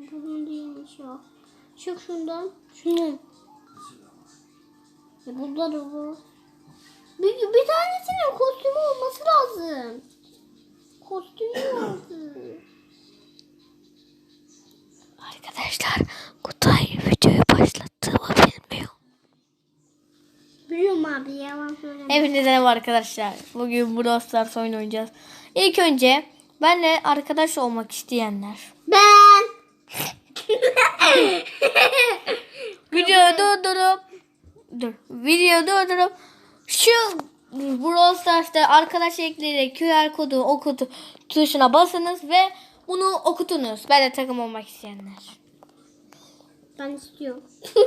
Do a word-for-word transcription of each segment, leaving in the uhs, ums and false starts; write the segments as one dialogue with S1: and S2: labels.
S1: Bunun değilmiş ya. Çık şundan. Şundan. E burada da bu. Bir, bir tanesinin kostümü olması lazım. Kostümü lazım.
S2: Arkadaşlar Kutay videoyu başlattığımı bilmiyor.
S1: Biliyorum abi, yalan söyleme.
S2: Hepinize merhaba arkadaşlar. Bugün Brawl Stars oyun oynayacağız. İlk önce benle arkadaş olmak isteyenler.
S1: Ben.
S2: Videoyu durdurup dur. Videoyu durdurup şu Brawl Stars'ta arkadaş ekleyerek Q R kodu okutu tuşuna basınız ve bunu okutunuz. Ben de takım olmak isteyenler.
S1: Ben istiyorum.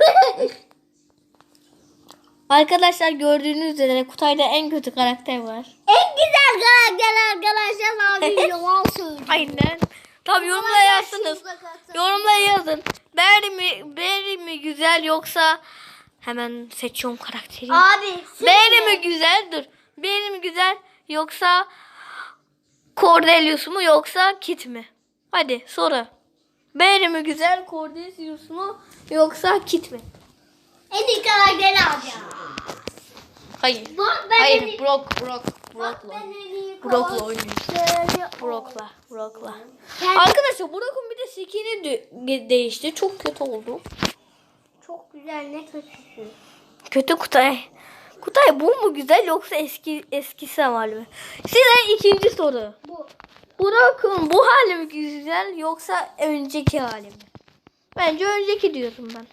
S2: Arkadaşlar gördüğünüz üzere Kutay'da en kötü karakter var.
S1: En güzel karakter arkadaşlar abi, yalan söylüyor.
S2: Aynen. Tabii yorumlara yazsınız. Yorumlara yazın. Berry mi, Berry mi güzel yoksa hemen seçiyorum karakteri.
S1: Abi.
S2: Berry mi güzel? Dur. Berry mi güzel yoksa Cordelius mu yoksa Kit mi? Hadi soru. Berry mi güzel, Cordelius mu yoksa Kit mi?
S1: En iyi karakteri alacağım.
S2: Hayır.
S1: Bak ben en
S2: Hayır,
S1: iyi-
S2: Brock, Brock, Brock'la.
S1: Ben en iyi
S2: Brock'la
S1: karakteri-
S2: oynuyoruz. Brock'la, Brock'la.
S1: Ben-
S2: Arkadaşlar Brock'un bir de skin'i de- değişti. Çok kötü oldu.
S1: Çok güzel, ne kötüsün.
S2: Kötü Kutay. Kutay bu mu güzel yoksa eski eskisi hali mi? Size ikinci soru.
S1: Bu.
S2: Brock'un bu hali mi güzel yoksa önceki hali mi? Bence önceki diyorum ben.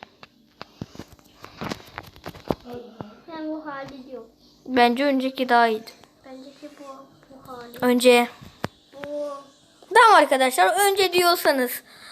S1: Ben bu hali diyorum.
S2: Bence önceki daha iyiydi.
S1: Bence ki bu, bu hali.
S2: Önce.
S1: Bu.
S2: Tamam arkadaşlar, önce diyorsanız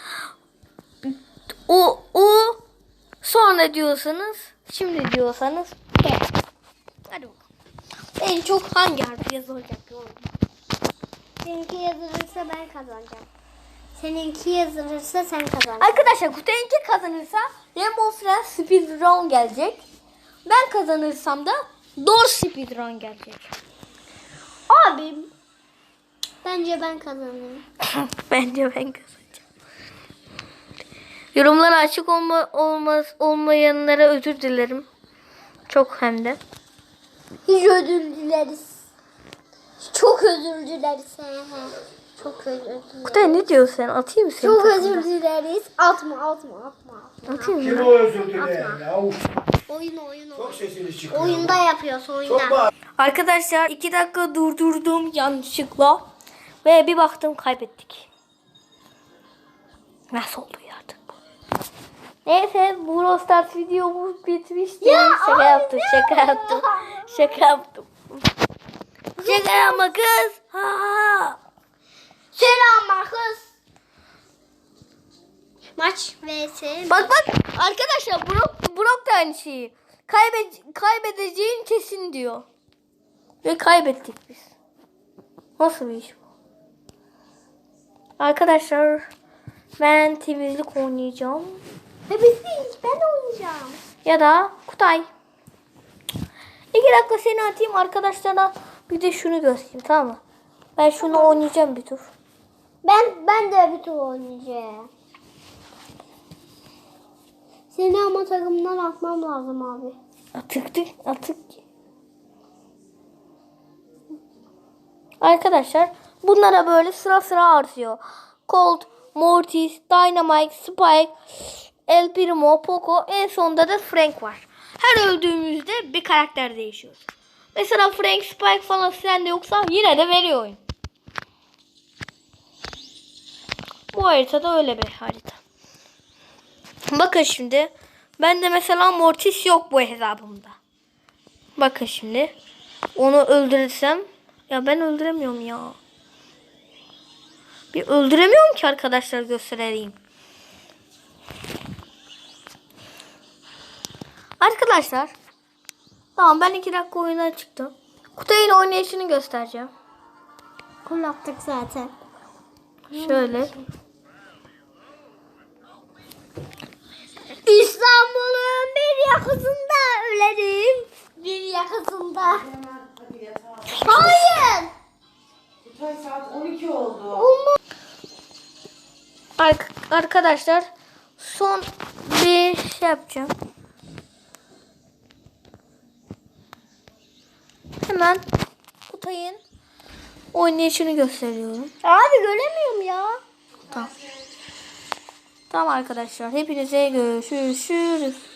S2: o o sonra diyorsanız şimdi diyorsanız P. Hadi bakalım. En çok hangi harf yazılacak?
S1: Seninki yazılırsa ben kazanacağım. Seninki yazılırsa sen kazanacaksın.
S2: Arkadaşlar Kutay'ınki kazanırsa Rainbow Friends Speedrun gelecek. Ben kazanırsam da Door Speedrun gelecek.
S1: Abi. Bence ben kazanırım.
S2: Bence ben kazanacağım. Yorumlara açık olma, olmaz, olmayanlara özür dilerim. Çok hem de.
S1: Hiç özür dileriz. Çok özür dileriz. Çok özür dileriz.
S2: Kutay ne diyorsun sen? Atayım mı seni?
S1: Çok
S2: takımdan?
S1: özür dileriz. Atma atma atma.
S2: Atayım
S3: Kim
S2: mı?
S3: o özür dileyen ya? Uf,
S1: Oyun oyun
S3: çok
S1: oyun.
S3: sesiniz çıkıyor.
S1: Oyunda yapıyorsun, oyunda.
S3: Çok bağır.
S2: Arkadaşlar iki dakika durdurdum yanlışlıkla. Ve bir baktım kaybettik. Nasıl oldu ya artık bu? Neyse Brawl Stars videomuz bitmişti.
S1: Ya
S2: şaka
S1: abi
S2: yaptım,
S1: ne
S2: şaka
S1: ya?
S2: yaptım. Şaka yaptım. Şaka yapma kız. Ha, ha.
S1: Selam kız. Maç vs.
S2: Bak bak arkadaşlar Brock, Brock da aynı şeyi. Kaybe kaybedeceğin kesin diyor. Ve kaybettik biz. Nasıl bir iş bu? Arkadaşlar ben temizlik oynayacağım.
S1: Hepimiz ben oynayacağım.
S2: Ya da Kutay. İki dakika seni atayım arkadaşlara bir de şunu göstereyim, tamam mı? Ben şunu oynayacağım bir tur.
S1: Ben ben de bir tur oynayacağım. Seni ama takımdan atmam lazım abi.
S2: Atıktık atık. Arkadaşlar bunlara böyle sıra sıra artıyor. Colt, Mortis, Dynamite, Spike, El Primo, Poco, en sonunda da Frank var. Her öldüğümüzde bir karakter değişiyor. Mesela Frank, Spike falan sende yoksa yine de veriyor oyun. Bu haritada öyle bir harita. Bakın şimdi. Bende mesela Mortis yok bu hesabımda. Bakın şimdi. Onu öldürürsem. Ya ben öldüremiyorum ya. Bir öldüremiyorum ki arkadaşlar, göstereyim. Arkadaşlar. Tamam, ben iki dakika oyuna çıktım. Kutay'ın oynayışını göstereceğim.
S1: Kulaktık zaten.
S2: Şöyle.
S1: İstanbul'un bir yakasında ölerim. Bir yakasında. Hayır.
S4: Kutay saat on iki oldu.
S2: Ar- arkadaşlar son bir şey yapacağım. Hemen Kutay'ın oynayışını gösteriyorum.
S1: Abi göremiyorum ya.
S2: Tamam. Tamam arkadaşlar. Hepinize görüşürüz.